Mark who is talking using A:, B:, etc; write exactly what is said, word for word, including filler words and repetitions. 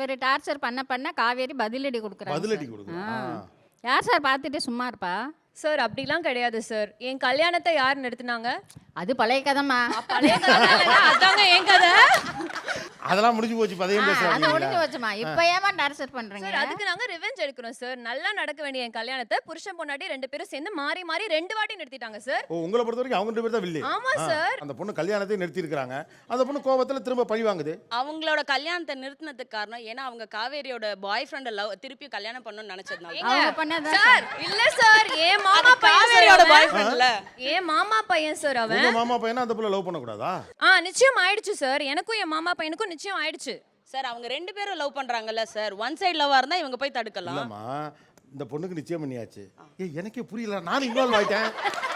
A: இவர் டார்ச்சர் பண்ண பண்ண காவேரி பதிலடி கொடுக்குறாங்க.
B: பதிலடி கொடுக்குறா.
A: யார் சார் பார்த்துட்டு சும்மா இருப்பா?
C: சார் அப்படிலாம் கிடையாது சார். என் கல்யாணத்தை யார் நிறுத்தினாங்க?
A: அது பழைய கதைமா.
C: பழைய கதை அதாங்க என் கதை.
B: அதெல்லாம் முடிஞ்சு போச்சு. பதையும்
A: அது
B: பேசுறாங்க.
A: முடிஞ்சு போச்சுமா. இப்போ ஏமா டார்ச்சர் பண்றீங்க?
C: சார் அதுக்கு நாங்க ரிவெஞ்ச் எடுக்கிறோம் சார். நல்லா நடக்க வேண்டிய என் கல்யாணத்தை புருஷன் பொண்டாட்டி ரெண்டு பேரும் சேர்ந்து மாறி மாறி ரெண்டு வாட்டி நிறுத்திட்டாங்க சார்.
B: ஓ, உங்களை பொறுத்த வரைக்கும் அவங்க ரெண்டு பேர் தான் வில்லி.
C: ஆமா சார்.
B: அந்த பொண்ணு கல்யாணத்தை நிறுத்தி இருக்காங்க. அந்த பொண்ணு கோபத்துல திரும்ப பழி வாங்குது.
D: அவங்களோட கல்யாணத்தை நிறுத்தினதுக்கு காரணம் ஏன்னா அவங்க காவேரியோட பாய் ஃப்ரெண்ட லவ் திருப்பி கல்யாணம் பண்ணணும்னு நினைச்சதுனால.
A: அவங்க பண்ணதான்
C: சார் இல்ல சார். ஏன் மாமா பையன்
D: காவேரியோட பாய் ஃப்ரெண்ட்ல.
C: ஏன் மாமா பையன் சார் அவன்.
B: உங்க மாமா பையனா அந்த புள்ள லவ் பண்ண கூடாதா?
C: ஆ நிச்சயம் ஆயிடுச்சு சார். எனக்கும் என் மாமா பையனுக்கும் நிச்சயம் ஆயிடுச்சு
D: சார். அவங்க ரெண்டு பேரும் லவ் பண்றாங்கல்ல சார். ஒன் சைடு லவ்வா இருந்தா இவங்க போய் தடுக்கலாம்.
B: இல்லம்மா, இந்த பொண்ணுக்கு நிச்சயம் பண்ணியாச்சு. ஏய், எனக்கே புரியல. நான் இன்வால்வ் ஆயிட்டேன்.